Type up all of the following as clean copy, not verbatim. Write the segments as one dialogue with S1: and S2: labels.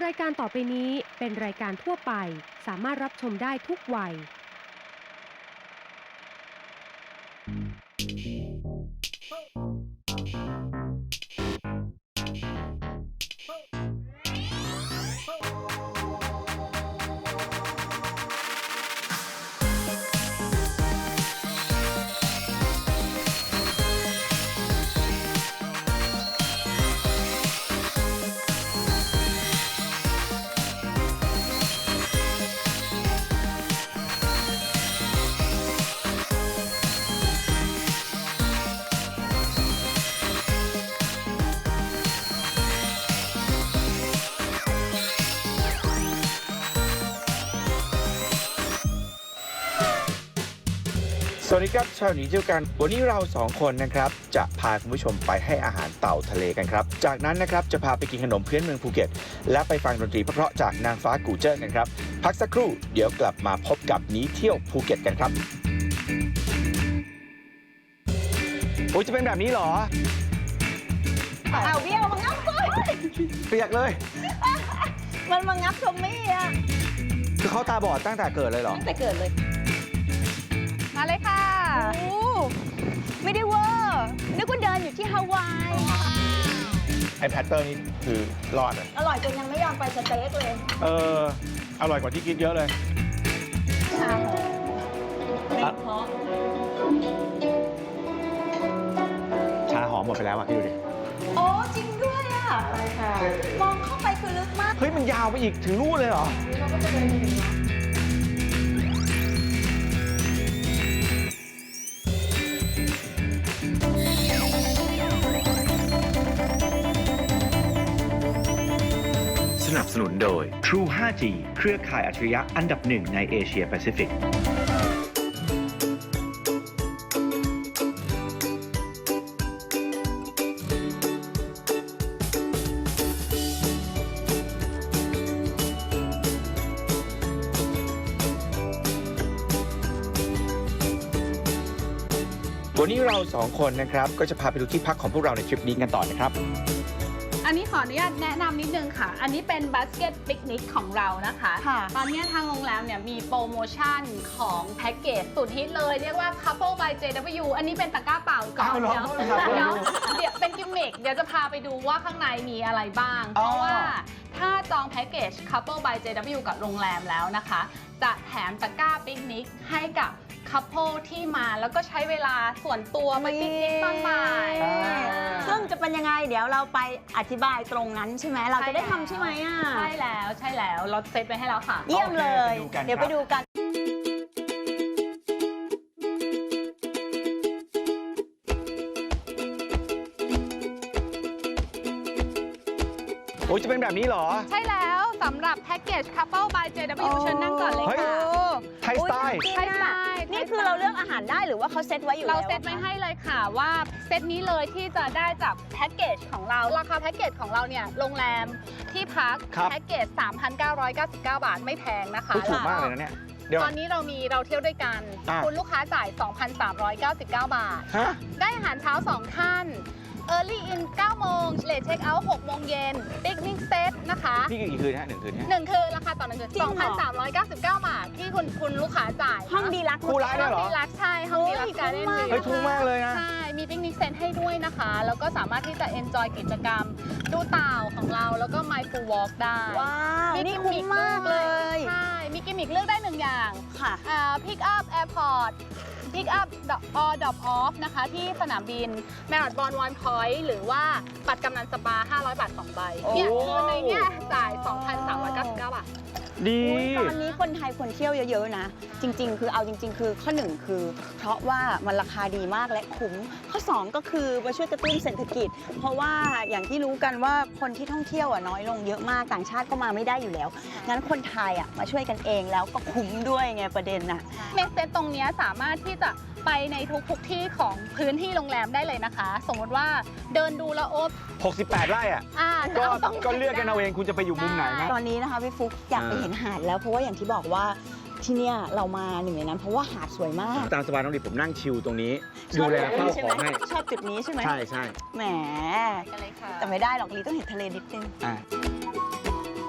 S1: ายการต่อไปนี้เป็นรายการทั่วไปสามารถรับชมได้ทุกวัย
S2: สวัสดีครับชาวหนีเที่ยวกันวันนี้เรา2คนนะครับจะพาคุณผู้ชมไปให้อาหารเต่าทะเลกันครับจากนั้นนะครับจะพาไปกินขนมพื้นเมืองภูเก็ตและไปฟังดนตรีเพราะๆจากนางฟ้ากูเจิ้นกันครับพักสักครู่เดี๋ยวกลับมาพบกับหนีเที่ยวภูเก็ตกันครับโอ้ยจะเป็นแบบนี้เหรอ
S3: เอาเบี้ยวมางับก้อย
S2: เปียกเลย
S3: มันมางับทอมมี่อะ
S2: คือเขาตาบอดตั้งแต่เกิดเลยเหรอ
S3: ตั้งแต่เกิดเลยมาเลยค่ะโอ้ไม่ได้เวอร์นึกว่าเดินอยู่ที่ฮาวาย
S4: ไอแพตเตอร์นี่คือรอดอ่ะ
S3: อร่อยจนยังไม่ยอมไปสเต็กเลย
S4: อร่อยกว่าที่คิดเยอะเลย
S3: ชาไม่เพราะ
S4: ชาหอมหมดไปแล้วอ่ะพี่ดูดิ
S3: โอ้จริงด้วยอ่ะใช่ค่ะมองเข้าไปคือลึกมาก
S4: เฮ้ยมันยาวไปอีกถึงนู่นเลยเหรอ
S2: สนับสนุนโดย True 5G เครือข่ายอัจฉริยะอันดับหนึ่งในเอเชียแปซิฟิกวันนี้เรา2คนนะครับก็จะพาไปดูที่พักของพวกเราในทริปนี้กันต่อนะครับ
S5: อันนี้ขออนุญาตแนะนำนิดนึงค่ะ อันนี้เป็นบาสเกตปิกนิกของเรานะคะ ตอนนี้ทางโรงแรมเนี่ยมีโปรโมชั่นของแพ็กเกจสุดฮิตเลยเรียกว่า Couple by JW อันนี้เป็นตะกร้าเปล่าก่อน
S4: อ้าวเหรอ
S5: เดี๋ยวเป็นกิมมิคเดี๋ยวจะพาไปดูว่าข้างในมีอะไรบ้าง เพราะว่าถ้าจองแพ็กเกจ Couple by JW กับโรงแรมแล้วนะคะ จะแถมตะกร้าปิกนิกให้กับคัพเปิลที่มาแล้วก็ใช้เวลาส่วนตัวไปปิกนิกตอนบ่าย
S3: ซึ่งจะเป็นยังไงเดี๋ยวเราไปอธิบายตรงนั้นใช่ไหมเราจะได้ทำใช่ไหมอ่ะ
S5: ใช่แล้วเราเซตไปให้แล้วค่ะ
S3: เยี่ยมเลย
S4: โอเคไปดูกัน
S3: เดี๋ยวไปดูกัน
S4: โอ้ยจะเป็นแบบนี้เหรอ
S5: ใช่แล้วสำหรับแพ็กเกจ Couple by JW เชิญนั่งก่อนเลย
S4: เฮ้ย
S5: ค่ะ
S4: ไทยสไตล์
S3: ใช่ไหมนี่คือเราเลือกอาหารได้หรือว่าเขาเซตไว้อยู่แล้ว
S5: เราเซตไว้ให้เลยค่ะว่าเซตนี้เลยที่จะได้จากแพ็กเกจของเราราคาแพ็กเกจของเราเนี่ยโรงแรมที่พัก
S4: ครับ
S5: แพ็กเกจ 3,999 บาทไม่แพงนะคะ
S4: เฮ้ยถูกมากเลยนะเนี่ย เดี๋ยว
S5: ตอนนี้เราเที่ยวด้วยกัน
S4: อ่ะ
S5: คุณลูกค้าจ่าย 2,399 บาท
S4: ฮะ
S5: ได้อาหารเช้า 2 ท่าน Early in 9 โมง Late Check Out 6 โมงเย็น Picnic Set นะคะ
S4: นี่กี่คืนฮะ1 คืนฮะ
S5: 1 คืนราคาต่อ 1 คืน 2,399 บาทที่คุณลูกค้าจ่าย
S3: ห้องดีลักซ์
S4: คู่ร้ายด้วยเหรอ
S5: ดีลักซ์ใช่ ห้องดีลักซ์การ์เด้นวิว
S4: เฮ้ยถูกมากเลยนะ
S5: ใช่ มีปิกนิกเซนให้ด้วยนะคะ แล้วก็สามารถที่จะ enjoy กิจกรรม ดูเต่าของเราแล้วก็ Mindful Walk ได้
S3: ว้าวนี่
S5: กิ
S3: คุ้มมากเลย
S5: ใช่ มีกิมมิคเลือกได้ 1 อย่าง
S3: ค่ะ
S5: Pick up airport Pick up or drop off นะคะที่สนามบิน Marriott Bonvoy Point หรือว่าบัตรกำนันสปา 500 บาท 2 ใบ เนี่ย
S4: โอ้
S5: คือในเนี่ยจ่าย 2,399 บาท
S4: ดี
S3: ตอนนี้คนไทยควรเที่ยวเยอะๆนะ จริง ๆ คือเอาจริง ๆ คือข้อหนึ่งคือ เพราะว่ามันราคาดีมากและคุ้มข้อ2ก็คือมาช่วยกระตุ้นเศรษฐกิจ เพราะว่าอย่างที่รู้กันว่าคนที่ท่องเที่ยวน้อยลงเยอะมากต่างชาติก็มาไม่ได้อยู่แล้วงั้นคนไทยมาช่วยกันเองแล้วก็คุ้มด้วยไงประเด็นน่ะ
S5: เมสเซตตรงเนี้ยสามารถที่จะไปในทุกที่ของพื้นที่โรงแรมได้เลยนะคะ สมมติว่าเดินดูแล้วโอ๊บ
S4: 68 ไร่อ่ะ
S5: จะเอาตรงไหน
S4: ก็เลือกกันเอาเองคุณจะไปอยู่มุมไหนนะ
S3: ตอนนี้นะคะพี่ฟุกอยากไปเห็นหาดแล้วเพราะว่าอย่างที่บอกว่าที่เนี่ยเรามาหนึ่งในนั้นเพราะว่าหาดสวยมาก
S4: ตามสบายน้องดิผมนั่งชิลตรงนี้ ดูแลเฝ้าของให้
S3: ชอบจุดนี้ใช่ไหม
S4: ใช่ใช่
S3: แหม
S5: กันเลยค่ะ
S3: แต่ไม่ได้หรอกลีต้องเห็นทะเลนิดนึง
S4: อ่ะ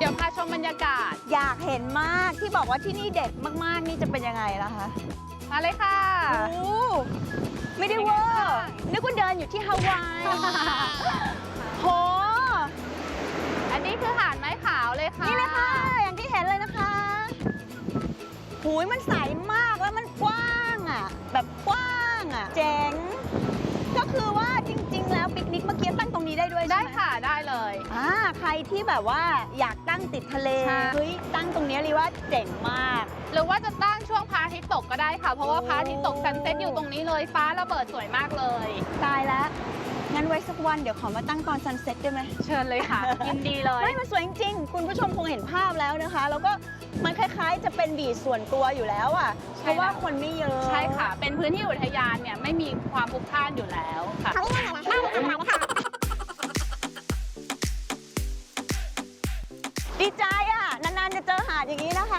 S5: เดี๋ยวพาชมบรรยากาศ
S3: อยากเห็นมากที่บอกว่าที่นี่เด็ดมากๆนี่จะเป็นยังไงล่ะคะ
S5: มาเลยค่ะ
S3: โอ้ไม่ได้เวอร์นึกว่าเดินอยู่ที่ฮาวาย โห
S5: อันนี้คือหาดไม้ขาวเลยค่ะ
S3: นี่เลยค่ะ อย่างที่เห็นเลยนะคะหูยมันใสมากแล้วมันกว้างอ่ะ แบบกว้างอ่ะ เจ๋ง ก็คือว่าจริง ๆ แล้วปิกนิกเมื่อกี้ตั้งตรงนี้ได้ด้วยใช่
S5: ได้
S3: ไหม
S5: ค่ะได้เลย
S3: ใครที่แบบว่าอยากตั้งติดทะเล
S5: ใช่
S3: เฮ้ยตั้งตรงนี้เลยว่าเจ๋งมาก
S5: หรือว่าจะตั้งช่วงพระอาทิตย์ตกก็ได้ค่ะ เพราะว่าพระอาทิตย์ตกซันเซ็ตอยู่ตรงนี้เลย ฟ้าระเบิดสวยมากเลย
S3: ตายแล้ว งั้นไว้สักวันเดี๋ยวขอมาตั้งตอนซันเซ็ตได้ไหม
S5: เชิญเลยค่ะ ยินดีเลย
S3: ไม่มันสวยจริงๆ คุณผู้ชมคงเห็นภาพแล้วนะคะ แล้วก็มันคล้ายๆ จะเป็นบีชส่วนตัวอยู่แล้วอ่ะ
S5: ใช่
S3: เพราะว่าคนไม่เยอะ
S5: ใช่ค่ะ เป็นพื้นที่อุทยานเนี่ยไม่มีความพลุกพล่านอยู่แล้วค่ะ
S3: ดีใจอ่ะ นานๆจะเจอหาดอย่างนี้นะคะ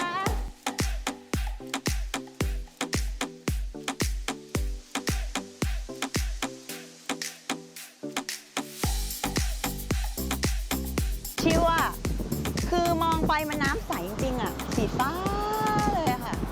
S3: ชิวอ่ะ คือมองไปมันน้ำใสจริงๆอ่ะ สีฟ้าเลยอะค่ะ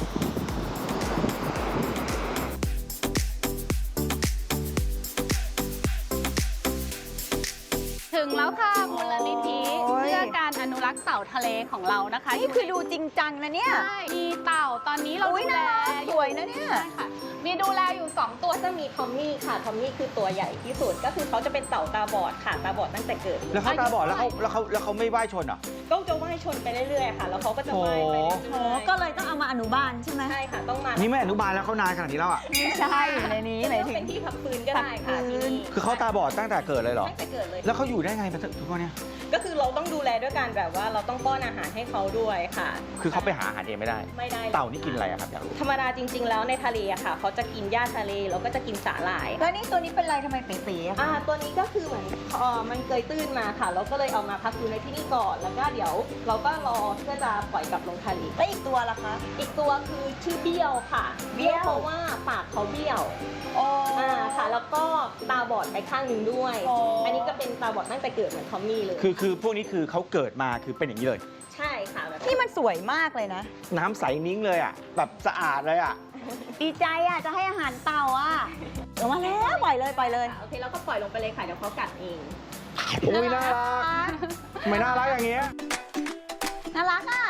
S5: ถึงแล้วค่ะมูลนิธิ
S3: โอ้ย
S5: เพื่อการอนุรักษ์เต่าทะเลของเรานะคะ
S3: นี่คือดูจริงจังนะเนี่ย
S5: ใช่มีเต่าตอนนี้เรา
S3: อุ๊ย
S5: ดูแล
S3: น่ารักสวยนะเนี่ย
S5: ใช่ค่ะ มีดูแลอยู่ 2 ตัว
S6: ก็จะมีทอมมี่ค่ะ ทอมมี่คือตัวใหญ่ที่สุด ก็คือเขาจะเป็นเต่าตาบอดค่ะ ตาบอดตั้งแต่เกิด
S2: แล้วเขาตาบอดแล้วเขาไม่ว่ายชนเหรอ
S6: ก็จะว่ายชนไปเรื่อยๆค่ะ แล้วเขาก็จะว่ายไปเรื่
S3: โอ้
S6: อย
S3: ก็เลยต้องเอามาอนุบาลใช่ไหม
S6: ๆใช่ค่ะ ต้องมา
S2: นี่ไม่อนุบาลแล้วเขานานขนาดนี้แล้วอ่ะ
S3: ไม่ใช่อยู่ในนี้หมายถึ
S6: เป็น
S3: ง
S6: ที่พักฟื้นก็ได้ค่ะ
S3: พักฟื้
S6: ที่
S3: น
S6: นี่
S2: คือเขาตาบอดตั้งแต่เกิดเลยเหรอ
S6: ตั้งแต่เกิดเลย
S2: แล้วเขาอยู่ได้ไงมาทุกวันเนี้ย
S6: ก็คือเราต้องดูแลด้วยการแบบว่าเราต้องป้อนอาหารให้เขาด้วยค่ะ
S2: คือเขาไปหาอาหารเองไม่ได้
S6: ไม่ได้
S2: เต่านี่กินอะไรอะครับอยากรู้
S6: ธรรมดาจริง ๆ แล้วในทะเลอะค่ะ เขาจะกินหญ้าทะเลแล้วก็จะกินสาหร่าย
S3: แล้วนี่ตัวนี้เป็นไรทำไมเป๋ๆอะคะ
S6: ตัวนี้ก็คือเหมือนมันเคยตื้นมาค่ะ เราก็เลยเอามาพักฟื้นในที่นี่ก่อน แล้วก็เดี๋ยวเราก็รอเพื่อจะปล่อยกลับลงทะเล
S3: แล้วอีกตัวล่ะคะ
S6: อีกตัวคือชื่อเบี้ยวค่ะ
S3: เบี้ยว
S6: เพราะว่าปากเขาเบี้ยว
S3: โอ้
S6: ค่ะ แล้วก็ตาบอดไปข้างหนึ่งด้วย
S3: อ๋ออั
S6: อันนี้ก็เป็นตาบอดตั้งแต่เกิดเหมือนทอมมี่เลย
S2: คือพวกนี้คือเขาเกิดมาคือเป็นอย่างนี้เลย
S6: ใช่ค่ะแบบ
S3: นี่มันสวยมากเลยนะ
S2: น้ำใสนิ้งเลยอ่ะ แบบสะอาดเลยอ่ะ
S3: ดีใจอ่ะ จะให้อาหารเต่าอ่ะเดี๋ยวมาแล้วปล่อยเลยปล่อยเลย
S6: โอเคแล้วก็ปล่อยลงไปเลยค่ะ เดี๋ยวเขากัดเอง
S2: อุ้ยน่ารักทำไมน่ารักอย่างเงี้ย
S3: น่ารักอ่ะ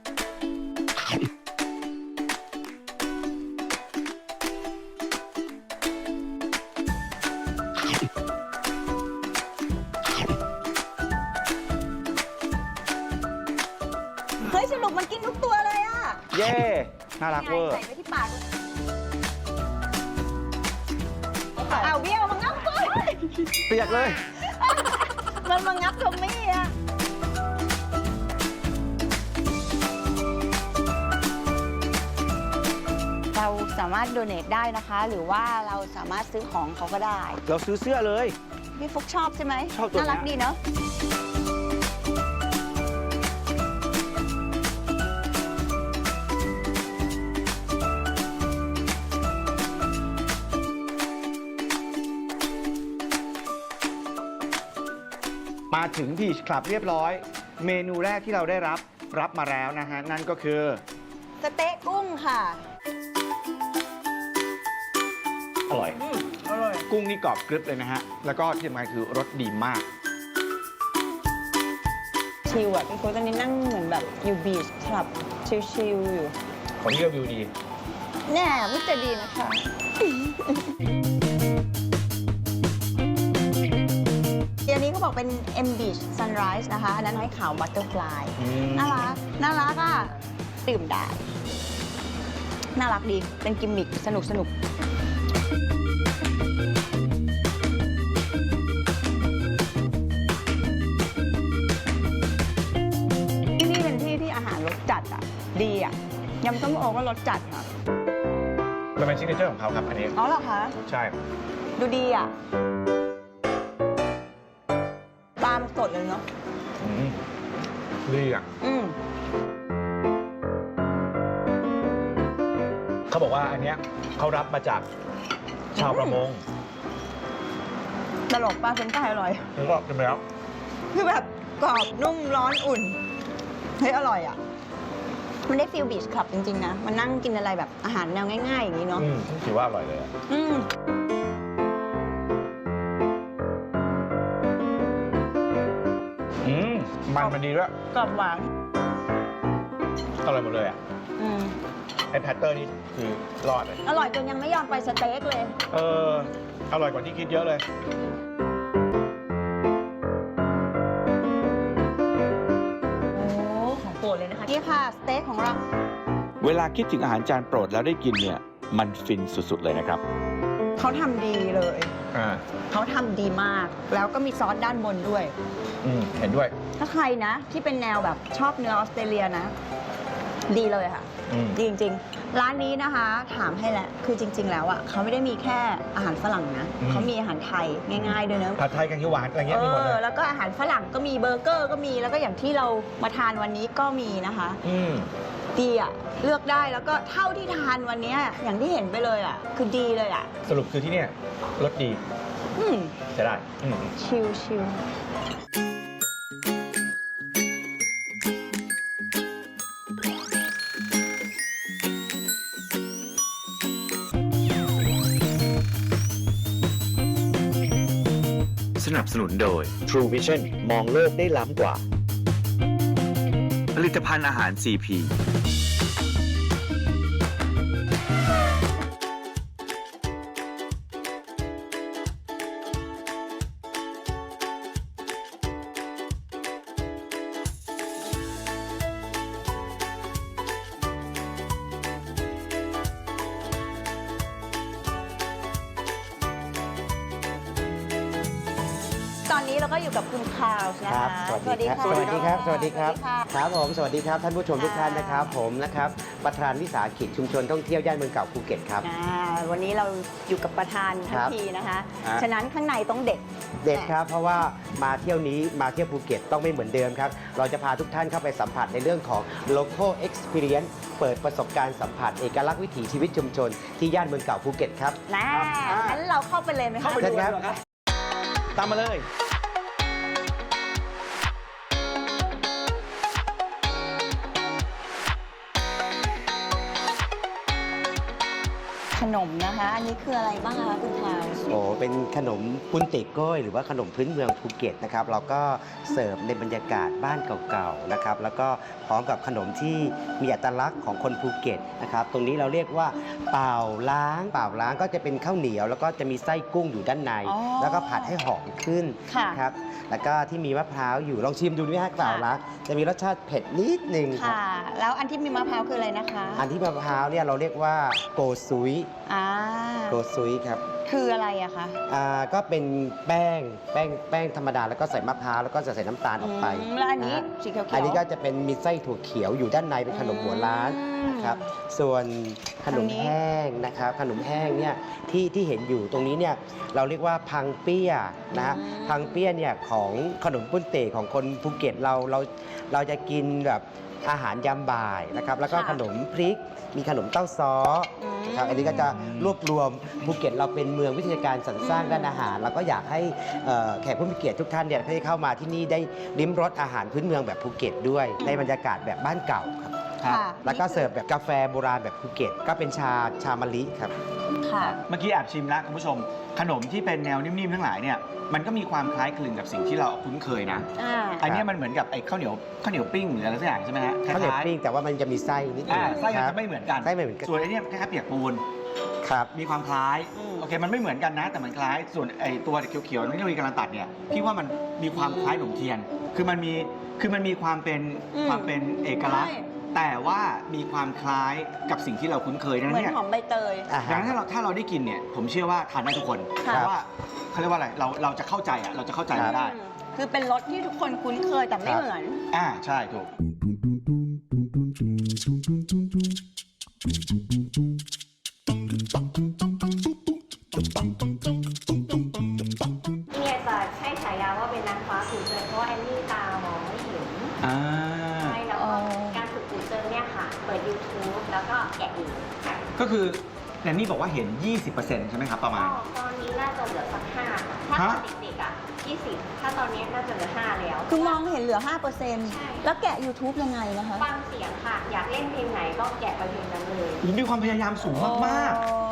S3: เฮ้ยสนุกมันกินทุกตัวเลยอ่ะ
S2: เย่น่ารักเวอร์
S3: ใส่ไปที่ปากเอาเบี้ยวมางับก่อน
S2: เปียกเลย
S3: มันมางับทอมมี่อ่ะ เราสามารถโดเนทได้นะคะ หรือว่าเราสามารถซื้อของเขาก็ได้
S2: เราซื้อเสื้อเลย
S3: พี่ฟุกชอบใช่ไหม
S2: ชอบตัวเนี้ย
S3: น่ารักดีเนาะ
S2: มาถึงบีชคลับเรียบร้อย เมนูแรกที่เราได้รับมาแล้วนะฮะ นั่นก็คือ
S3: สเต๊ะกุ้งค่ะ
S2: อร่อย กุ้งนี่กรอบกรึบเลยนะฮะ แล้วก็ที่สำคัญคือรสดีมาก
S3: ชิลอ่ะพี่ฟุกตอนนี้นั่งเหมือนแบบอยู่บีชคลับชิลๆอยู่
S2: ของนี่ก็วิวดี
S3: แน่พูดจะดีนะคะ อันนี้เขาบอกเป็น M Beach Sunrise นะคะ อันนั้นไม้ขาว Butterfly น่ารัก น่ารักอ่ะ ดื่มได้ น่ารักดี เป็นกิมมิคสนุกสนุก ที่นี่เป็นที่ที่อาหารรสจัดอ่ะ ดีอ่ะ ยำส้มโอก็รสจัดค่ะ
S2: มันเป็นซิกเนเจอร์ของเขาครับ อันนี้
S3: อ๋อเหรอคะ
S2: ใช่
S3: ดูดีอ่ะ ปลามันสดเลยเนาะ
S2: ดีอ่ะ เขาบอกว่าอันเนี้ยเขารับมาจากชาวประมง
S3: ตลกปลาเฟรนช์ฟรายอร่อย
S2: แล้วก็กินไปแล้ว
S3: คือแบบกรอบนุ่มร้อนอุ่นเฮ้ยอร่อยอ่ะมันได้ฟิลบีชคลับจริงๆนะมันนั่งกินอะไรแบบอาหารแนวง่ายๆอย่างนี้เนาะ
S4: ถือว่าอร่อยเลยอะ มันดีด้วย
S3: กรอบหวาน
S4: อร่อยหมดเลยอ่ะ
S3: อืม
S4: ไอ้แพตเตอร์นี่คือรอดเลย
S3: อร่อยจนยังไม่ยอมไปสเต็กเลย
S4: อร่อยกว่าที่คิดเยอะเลย
S3: โอ้ของโปรดเลยนะคะนี่ค่ะสเต็กของเรา
S2: เวลาคิดถึงอาหารจานโปรดแล้วได้กินเนี่ยมันฟินสุดๆเลยนะครับ
S3: เขาทำดีเลย เขาทำดีมาก แล้วก็มีซอสด้านบนด้วย
S4: เห็นด้วย
S3: ถ้าใครนะที่เป็นแนวแบบชอบเนื้อออสเตรเลียนะ ดีเลยค่ะ ดีจริงๆ ร้านนี้นะคะ ถามให้แหละ คือจริง ๆ แล้วอ่ะเขาไม่ได้มีแค่อาหารฝรั่งนะ เขามีอาหารไทยง่ายๆด้วยนะ
S4: ผัดไทยแกงเขียวหวานอะไรเงี้ยมีหมดเลย
S3: แล้วก็อาหารฝรั่งก็มีเบอร์เกอร์ก็มี แล้วก็อย่างที่เรามาทานวันนี้ก็มีนะคะ ดีอ่ะ เลือกได้แล้วก็เท่าที่ทานวันนี้อย่างที่เห็นไปเลยอ่ะ คือดีเลยอ่ะ
S4: สรุปคือที่เนี่ยรสดี จะได้
S3: ชิล
S2: สนับสนุนโดย True Vision มองโลกได้ล้ำกว่า ผลิตภัณฑ์อาหาร CP
S3: ตอนนี้เราก็อยู่กับคุณคาร์ลนะ
S7: ครั
S3: คะ
S7: บ สวัสดีครับ สวัสดีครับ สวัสดีครับ
S3: ค่ะ
S7: ครับผม สวัสดีครับ ท่านผู้ชมทุกท่านนะครับ ผมนะครับ ประธานวิสาหกิจชุมชนท่องเที่ยวย่านเมืองเก่าภูเก็ตครับ
S3: วันนี้เราอยู่กับประธานทั้
S7: ค
S3: ง
S7: รับ
S3: ทีนะคะ
S7: ฮะ
S3: ฉะนั้นข้างในต้องเด็ด
S7: เด็กครับ เพราะว่ามาเที่ยวนี้มาเที่ยวภูเก็ตต้องไม่เหมือนเดิมครับ เราจะพาทุกท่านเข้าไปสัมผัสในเรื่องของ local experience เปิดประสบการณ์สัมผัสเอกลักษณ์วิถีชีวิตชุมชนที่ย่านเมืองเก่าภูเก็ตครับ
S3: งั้นเราเข้าไปเลยไหมคะ
S7: เชิญครับ
S2: ตามมาเลย
S3: ขนมนะคะ อันนี้คืออะไรบ้างคะคุณคาร์ล
S7: โอ้เป็นขนมปุ้นเตกโก้ยหรือว่าขนมพื้นเมืองภูเก็ตนะครับเราก็เสิร์ฟในบรรยากาศบ้านเก่าๆนะครับแล้วก็พร้อมกับขนมที่มีอัตลักษณ์ของคนภูเก็ตนะครับตรงนี้เราเรียกว่าเป่าล้างก็จะเป็นข้าวเหนียว แล้วก็จะมีไส้กุ้งอยู่ด้านใน แล้วก็ผัดให้หอมขึ้น
S3: ค่ะ
S7: ครับแล้วก็ที่มีมะพร้าวอยู่ลองชิมดูไหมฮะเป่าล้างจะมีรสชาติเผ็ดนิดนึงครับ
S3: ค่ะ แล้วอันที่มีมะพร้าวคืออะไรนะคะ
S7: อันที่มะพร้าวเนี่ยเราเรียกว่าโกซุย โกซุยครับ
S3: คืออะไรอะคะ
S7: ก็เป็นแป้งธรรมดาแล้วก็ใส่มะพร้าวแล้วก็จะใส่น้ำตาลออกไป
S3: แล้วอันนี้
S7: ะฮะ
S3: สีเขียวๆ
S7: อันนี้ก็จะเป็นมีไส้ถั่วเขียวอยู่ด้านในเป็นขนมหัวล้านครับส่วนขนมแห้งนะครับขนมแห้งเนี่ยที่เห็นอยู่ตรงนี้เนี่ยเราเรียกว่าพังเปี้ยนะฮะพังเปี้ยเนี่ยของขนมปุ้นเต๋ของคนภูเก็ตเราจะกินแบบอาหารยามบ่ายนะครับแล้วก็ขนมพริกมีขนมเต้าซ้อนะครับอันนี้ก็จะรวบรวมภูเก็ตเราเป็นเมืองวิทยาการสรรสร้างด้านอาหารเราก็อยากให้แขกผู้มีเกียรติทุกท่านเนี่ยได้เข้ามาที่นี่ได้ลิ้มรสอาหารพื้นเมืองแบบภูเก็ตด้วยในบรรยากาศแบบบ้านเก่าครับ
S3: ค่ะ
S7: แล้วก็เสิร์ฟแบบกาแฟโบราณแบบภูเก็ตก็เป็นชามะลิครับ
S3: ค่ะ
S2: เมื่อกี้แอบชิมแล้วคุณผู้ชม ขนมที่เป็นแนวนิ่มๆทั้งหลายเนี่ยมันก็มีความคล้ายคลึงกับสิ่งที่เราคุ้นเคยนะ อันนี้มันเหมือนกับไอ้ข้าวเหนียวปิ้งหรืออะไรสักอย่างใช่ไหมฮะ
S7: ข้าวเหนียว
S2: คล้ายๆ
S7: ปิ้งแต่ว่ามันจะมีไส้นิดนึง
S2: ไส้มัน
S7: ครั
S2: จะ
S7: บ
S2: ไม่เหมือนกัน
S7: ไส้ไม่เหมือนกัน
S2: ส่วนไอ้เนี่ยคล้ายๆเปียกปูน
S7: ครับ
S2: มีความคล้ายโอเคมันไม่เหมือนกันนะ แต่มันคล้ายส่วนไอ้ตัวเขียวๆนี่เรามีการตัดเนี่ยพี่ว่ามันมีความคล้ายขนมเทียน คือมันมีความเป็นเอกลักษณ์ แต่ว่ามีความคล้ายกับสิ่งที่เราคุ้นเคยดัง
S3: เห
S2: นั้
S3: มือน น
S2: เนี่ย
S3: หอมใบเตย
S2: ดังนั้นถ้าเราได้กินเนี่ยผมเชื่อว่าทานได้ทุกคน
S3: ค่ะ
S2: เพราะว่าเขาเรียกว่าอะไรเราจะเข้าใจเราจะเข้าใจมันได้
S3: คือเป็นรสที่ทุกคนคุ้นเคยแต่ไม่เหมือน
S2: ใช่ถูก
S8: เนี่ยจะให้ฉายาว่าเป็นนางฟ้าขุนเจิงเพราะว่าแอนนี่ตามองไม่เห็นใช่แล้วก็การฝึกขุนเจิงเนี่ยค่ะ เปิด YouTube แล้วก็แกะอีก
S2: ก็คือแนนนี่บอกว่าเห็น 20%ใช่ไหมครับประมาณ
S8: ตอนนี้น่าจะเหลือสัก5ค่ะถ้าตอนเด็กๆอ่ะ 20 ถ้าตอนนี้ก็จะเหลือ 5 แล้ว
S3: คือมองเห็นเหลือ
S8: ใช่
S3: 5%แล้วแกะ YouTube ยังไงนะคะ
S8: ฟังเสียงค่ะ อยากเล่นเพลงไหนก็แกะไปเพลงนั้นเลย
S2: มีความพยายามสูงมาก
S3: อ๋อ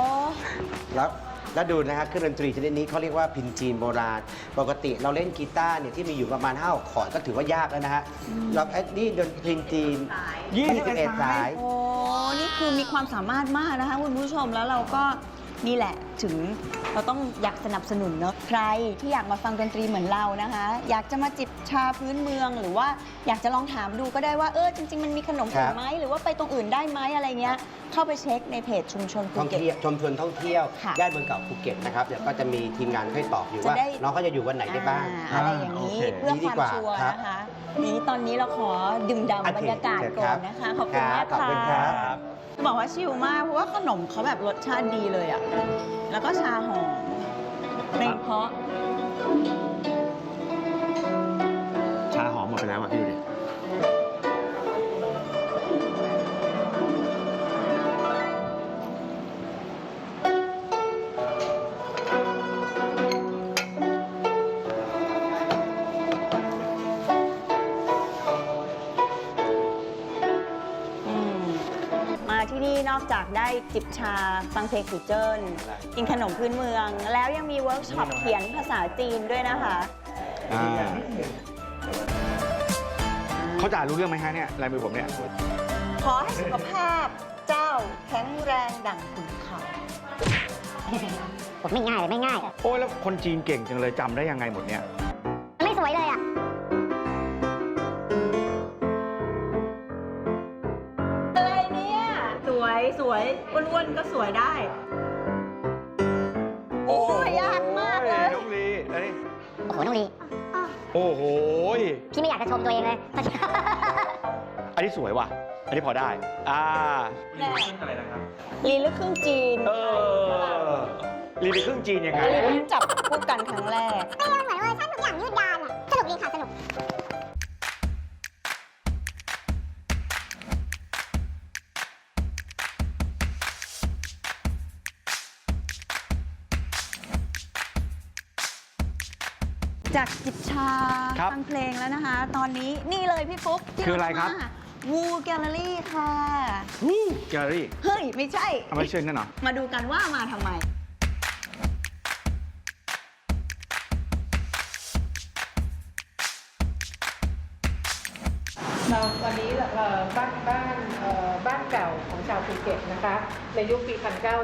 S7: แล้วดูนะครับเครื่องดนตรีชนิดนี้เขาเรียกว่าพินจีนโบราณ ปกติเราเล่นกีตาร์เนี่ยที่มีอยู่ประมาณ5คอร์ดก็ถือว่ายากแล้วนะฮะเรานี่ดนตรีจีน 21 สาย
S3: โอ้ นี่คือมีความสามารถมากนะคะคุณผู้ชม แล้วเราก็นี่แหละถึงเราต้องอยากสนับสนุนเนอะใครที่อยากมาฟังดนตรีเหมือนเรานะคะ อยากจะมาจิบชาพื้นเมือง หรือว่าอยากจะลองถามดูก็ได้ว่าจริงๆมันมีขนมอื่นไหมหรือว่าไปตรงอื่นได้ไหมอะไรเงี้ยเข้าไปเช็คในเพจชุมชนภู
S7: ท่อง
S3: เก็ต
S7: เที่ยวชมชนท่องเที่ยว
S3: ค่ะ
S7: ย่านเมืองเก่าภูเก็ตนะครับเดี๋ยวก็จะมีทีมงานให้ตอบอยู่
S3: จะ
S7: ว่า
S3: ได้
S7: น้องเขาจะอยู่วันไหนได้บ้าง
S3: อะไรอย่างนี้
S2: โอเค
S3: เพื่อ
S7: ดี
S3: ความ
S7: กว่า
S3: ชัวร์
S7: ครับ
S3: นะคะนี้ตอนนี้เราขอดื่มด่ำบรรยากาศ
S7: โอเค
S3: ก่อนนะคะ ขอบคุณมาก
S7: ขอบคุณครั
S3: ค่ะ
S7: บ
S3: จะบอกว่าชิลมากเพราะว่าขนมเขาแบบรสชาติดีเลยอ่ะแล้วก็ชาหอมเพลงเพราะ
S2: ชาหอมหมดไปแล้วอ่ะพี่ดูดิ
S3: มาที่นี่นอกจากได้จิบชาฟังเพลงกูเจิ้นกินขนมพื้นเมือง แล้วยังมีเวิร์กช็อปเขียนภาษาจีนด้วยนะคะ
S2: เขาจะอ่านรู้เรื่องไหมฮะเนี่ยลายมือผมเนี่ย
S3: ขอให้สุขภาพเจ้าแข็งแรงดั่งขุนเขา
S9: ไม่ง่ายเลยไม่ง่าย
S2: โอ้ยแล้วคนจีนเก่งจังเลยจำได้ยังไงหมดเนี่ย
S9: ไม่สวยเลยอ่ะ
S3: อะไรเนี่ย สวยอ้วนๆก็สวยได้ โอ้ยยากมากเลย
S2: น้องลีเอ้ย
S9: โอ้โห น้องลี
S2: โอ้โห
S9: พี่ไม่อยากจะชมตัวเองเลย
S2: อันนี้สวยว่ะ อันนี้พอได้
S3: แน่ลีลึกครึ่งจีน
S2: ลีเป็นครึ่งจีนยังไง
S3: ลีเพิ่งจับพูดกันครั้งแรก
S9: เหมือนเวอร์ชันทุกอย่างยืดยาวอ่ะ สนุกดีค่ะ สนุก
S3: จากจิบชา
S2: ครับ
S3: ฟังเพลงแล้วนะคะ ตอนนี้นี่เลยพี่ฟุ๊กที่
S2: คืออะไรครับ
S3: วูแกลเลอรี่ค่ะ
S2: แกลเลอรี่
S3: เฮ้ย ไม่ใช่
S2: เอาไม่เชื่อนั่นเหรอ
S3: มาดูกันว่ามาทำไม
S10: วันนี้บ้านเก่าของชาวภูเก็ตนะคะในยุคปี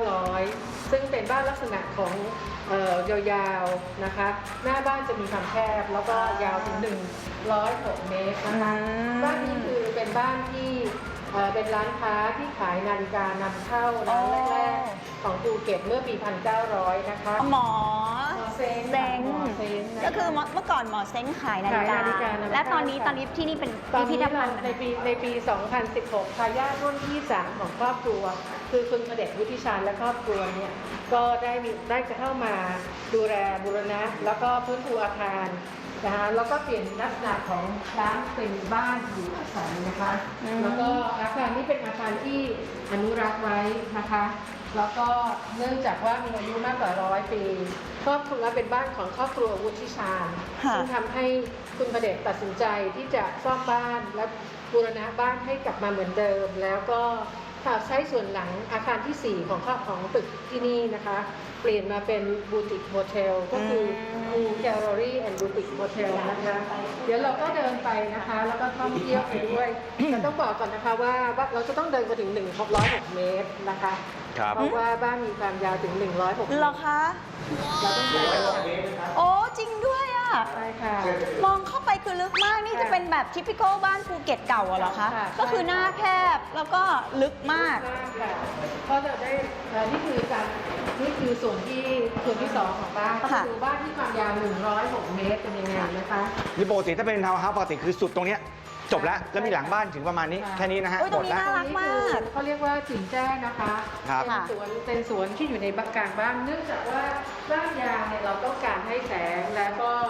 S10: 1900 ซึ่งเป็นบ้านลักษณะของยาวๆนะคะ หน้าบ้านจะมีความแคบแล้วก็ยาวถึง106 เมตรนะคะบ้านนี้คือเป็นบ้านที่เป็นร้านค้าที่ขายนาฬิกานำเข้าร้านแรกๆของภูเก็ตเมื่อปี 1900 นะคะ
S3: หมอ
S10: เซ้ง
S3: เซ้ง
S10: หมอเซ้งนะคะ
S3: ก็คือเมื่อก่อนหมอเซ้งขายนาฬิกา
S10: ขายนาฬิกานำเข้า
S3: และตอนนี้ที่นี่เป็น
S10: ตอน
S3: พิพิ
S10: นี้
S3: ธภัณฑ์
S10: ในปี 2016 ทายาทรุ่นที่ 3 ของครอบครัว คือคุณพเดชวุฒิชาญและครอบครัวเนี่ยก็ได้จะเข้ามาดูแลบูรณะ แล้วก็ฟื้นฟูอาคารนะคะแล้วก็เปลี่ยนลักษณะของร้านเป็นบ้านอยู่อาศัยนะคะ แล้วก็อาคารนี้เป็นอาคารที่อนุรักษ์ไว้นะคะ แล้วก็เนื่องจากว่ามีอายุมากกว่า100 ปีครอบครัวเป็นบ้านของครอบครัววุฒิชาญ
S3: ค่ะ
S10: ซึ่งทำให้คุณพเดชตัดสินใจที่จะซ่อมบ้านและบูรณะบ้านให้กลับมาเหมือนเดิม แล้วก็ใช้ส่วนหลังอาคารที่ 4 ของตึกที่นี่นะคะ เปลี่ยนมาเป็นบูติกโฮเทลก็คือมูแกลเลอรี่แอนด์บูติกโฮเทลนะคะ เดี๋ยวเราก็เดินไปนะคะ แล้วก็ท่องเที่ยวไปด้วย แต่ต้องบอกก่อนนะคะว่าเราจะต้องเดินไปถึง106 เมตรนะคะ
S2: ครับ
S10: เพราะว่าบ้านมีความยาวถึง106 เมต
S3: เหรอ
S10: ร
S3: คะ
S10: เราต้องเดิน
S3: โอ้จริงด้วยอ่ะ
S10: ใช่ค่ะ
S3: มองเข้าไปคือลึกมาก นี่จะเป็นแบบทิปิคอลบ้านภูเก็ตเก่าอะเหรอคะ
S10: ค่ะ
S3: ก็คือหน้าแคบแล้วก็ลึกมาก
S10: มากค่ะก็จะได้นี่คือส่วนที่สองของบ้านก็
S3: ค่ะ
S10: คือบ้านที่ความยาว106 เมตรเป็นยังไงนะคะ
S2: นี่ปกติถ้าเป็นทาวน์เฮาส์ปกติคือสุดตรงเนี้ยจบแล้ว แล้วมีหลังบ้านถึงประมาณนี้
S10: ค่ะ
S2: แค่นี้นะฮะ
S3: โอ้ยตรงนี้
S2: หมดแล้ว
S3: น่ารักมาก
S10: เขาเรียกว่าจิ๋นแจ้นะคะ
S2: ครับ
S10: เป็นสวนที่อยู่ในกลางบ้าน เนื่องจากว่าบ้านยางเนี่ยเราต้องการให้แสงแล้วก็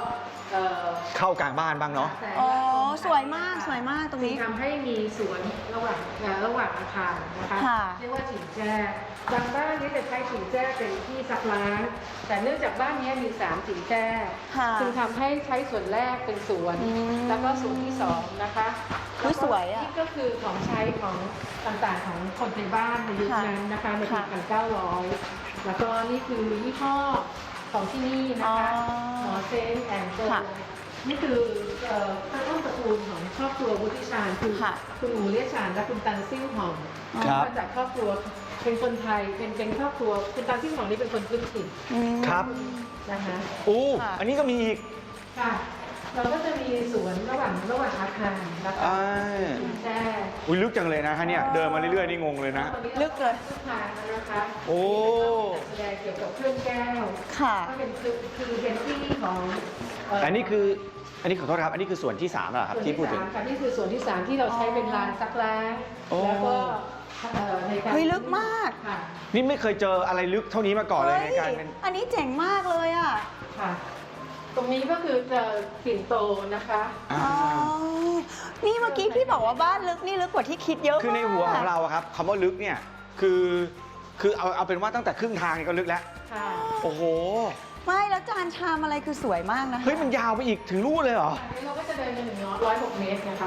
S2: เข้ากลางบ้านบ้างเนาะ
S3: อ๋อสวยมากสวยมากตรงนี้
S10: ทำให้มีสวนระหว่างอาคารนะคะ
S3: ค่ะ
S10: เรียกว่าฉิงแจ้บางบ้านนี้จะใช้ฉิงแจ้เป็นที่ซักล้างแต่เนื่องจากบ้านนี้มี3ฉิงแจ้
S3: ค่ะ
S10: จึงทำให้ใช้ส่วนแรกเป็นสวน แล้วก็ส่วนที่2นะคะ
S3: อุ๊ยสวยอะ
S10: นี่ก็คือของใช้ของต่างๆของคนในบ้านในยุคนั้นนะคะในปี 1900 แล้วก็นี่คือยี่ห้อของที่นี่นะคะหมอเซนแอนด์โจนี่คือต้นตระกูลของครอบครัววุฒิชาญคือคุณหมูเลียชาญและคุณตันซิ่วหอม
S2: ครับ
S10: มาจากครอบครัวเป็นคนไทยเป็นครอบครัวคุณตันซิ่วหอมนี่เป็นคนพื้นถิ่น
S2: ครับ
S10: นะคะ
S2: โอ้อันนี้ก็มีอีก
S10: ค่ะเราก็จะมีสวนระหว่างอาคารนะคะแจ้
S2: อุ้ยลึกจังเลยนะฮะเนี่ยเดินมาเรื่อยๆนี่งงเลยนะ
S3: ลึกเลย
S10: ทุกทางนะคะ
S2: โอ้
S10: แสดงเกี่ยวกับเครื่องแก้ว
S3: ค่ะ
S10: ก็เป็นคือเป็นที่ของ
S2: อันนี้ขอโทษครับอันนี้คือส่วนที่3เหรอครับที่พูดถึง
S10: ค่ะนี่คือส่วนที่ 3 ที่เราใช้เป็นลานซักล้าง
S2: โอ้
S10: แล้วก็ในการ
S3: เฮ้ยลึกมาก
S10: ค่ะ
S2: นี่ไม่เคยเจออะไรลึกเท่านี้มาก่อนเลยในการเป็น
S3: อันนี้เจ๋งมากเลยอ่ะ
S10: ค่ะ ตรงนี้ก็คือปิ่นโตนะคะ
S3: อ๋อ นี่เมื่อกี้พี่บอกว่าบ้านลึกนี่ลึกกว่าที่คิดเยอะมาก
S2: คือในหัวของเราอะครับคำว่าลึกเนี่ยคือเอาเป็นว่าตั้งแต่ครึ่งทางนี่ก็ลึกแล้ว
S10: ค่ะ
S2: โอ้โห
S3: ไม่แล้วจานชามอะไรคือสวยมากนะคะ
S2: เฮ้ยมันยาวไปอีกถึงนู่นเลยเหรอ
S10: อันนี้เราก็จะเดินไปถึง106 เมตรนะคะ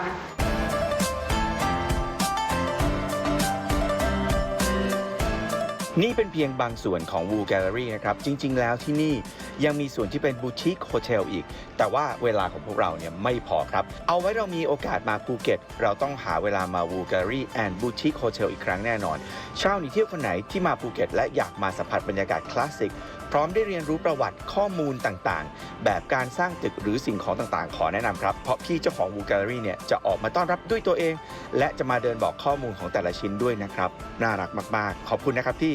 S2: นี่เป็นเพียงบางส่วนของ Woo Gallery นะครับ จริง ๆ แล้วที่นี่ยังมีส่วนที่เป็นบูติกโฮเทลอีก แต่ว่าเวลาของพวกเราเนี่ยไม่พอครับ เอาไว้เรามีโอกาสมาภูเก็ต เราต้องหาเวลามา Woo Gallery and Boutique Hotel อีกครั้งแน่นอนชาวหนีเที่ยวคนไหนที่มาภูเก็ตและอยากมาสัมผัสบรรยากาศคลาสสิกพร้อมได้เรียนรู้ประวัติข้อมูลต่างๆ แบบการสร้างตึกหรือสิ่งของต่างๆ ขอแนะนำครับเพราะพี่เจ้าของ Woo Gallery เนี่ยจะออกมาต้อนรับด้วยตัวเอง และจะมาเดินบอกข้อมูลของแต่ละชิ้นด้วยนะครับน่ารักมากๆขอบคุณนะครับพี่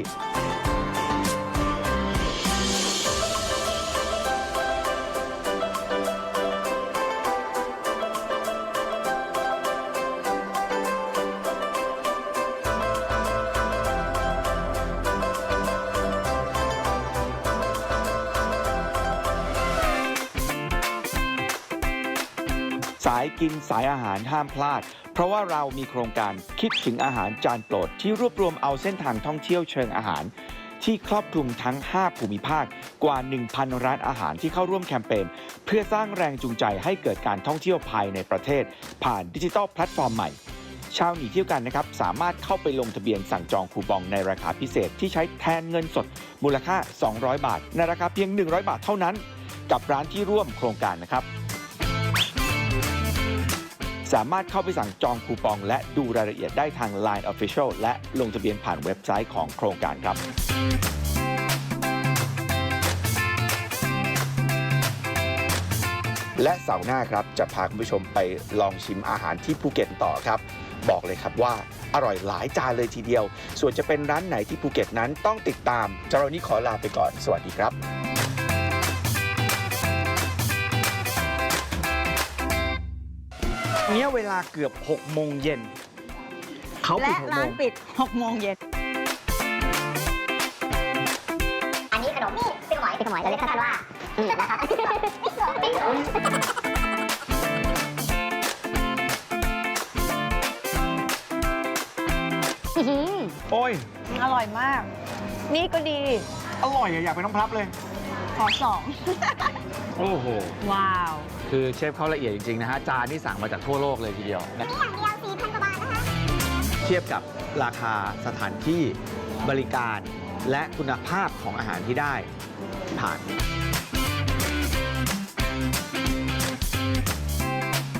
S2: สายกินสายอาหารห้ามพลาด เพราะว่าเรามีโครงการคิดถึงอาหารจานโปรดที่รวบรวมเอาเส้นทางท่องเที่ยวเชิงอาหาร ที่ครอบคลุมทั้ง 5 ภูมิภาคกว่า 1,000 ร้านอาหารที่เข้าร่วมแคมเปญเพื่อสร้างแรงจูงใจให้เกิดการท่องเที่ยวภายในประเทศ ผ่านดิจิทัลแพลตฟอร์มใหม่ ชาวหนีเที่ยวกันนะครับสามารถเข้าไปลงทะเบียนสั่งจองคูปองในราคาพิเศษที่ใช้แทนเงินสดมูลค่า 200 บาทในราคาเพียง 100 บาทเท่านั้น กับร้านที่ร่วมโครงการนะครับ สามารถเข้าไปสั่งจองคูปองและดูรายละเอียดได้ทาง Line Official และลงทะเบียนผ่านเว็บไซต์ของโครงการครับ และเสาร์หน้าครับจะพาคุณผู้ชมไปลองชิมอาหารที่ภูเก็ตต่อครับ บอกเลยครับว่าอร่อยหลายจานเลยทีเดียว ส่วนจะเป็นร้านไหนที่ภูเก็ตนั้นต้องติดตามเจ้าเรานี้ขอลาไปก่อนสวัสดีครับเนี่ยเวลาเกือบ 6 โมงเย็นเขาปิ
S3: และ
S2: ด 6 โม
S3: ร้าน
S2: ง
S3: ปิด 6 โมงเย็น
S9: อันนี้ขนมนี่ปิ้งหมอยเราเรียกสั้นๆว่านะครับ
S2: โอ้ย
S3: อร่อยมาก นี่ก็ดี
S2: อร่อยอะอยากไปน้องพลับเลย
S3: ขอสอง
S2: โอ้โห
S3: ว้าว
S2: คือเชฟเขาละเอียดจริง ๆ นะฮะ จานนี่สั่งมาจากทั่วโลกเลยทีเดียวนะ
S9: นี่อย่างเดียว 4,000 กว่าบาทนะคะ
S2: เทียบกับราคาสถานที่บริการและคุณภาพของอาหารที่ได้ผ่าน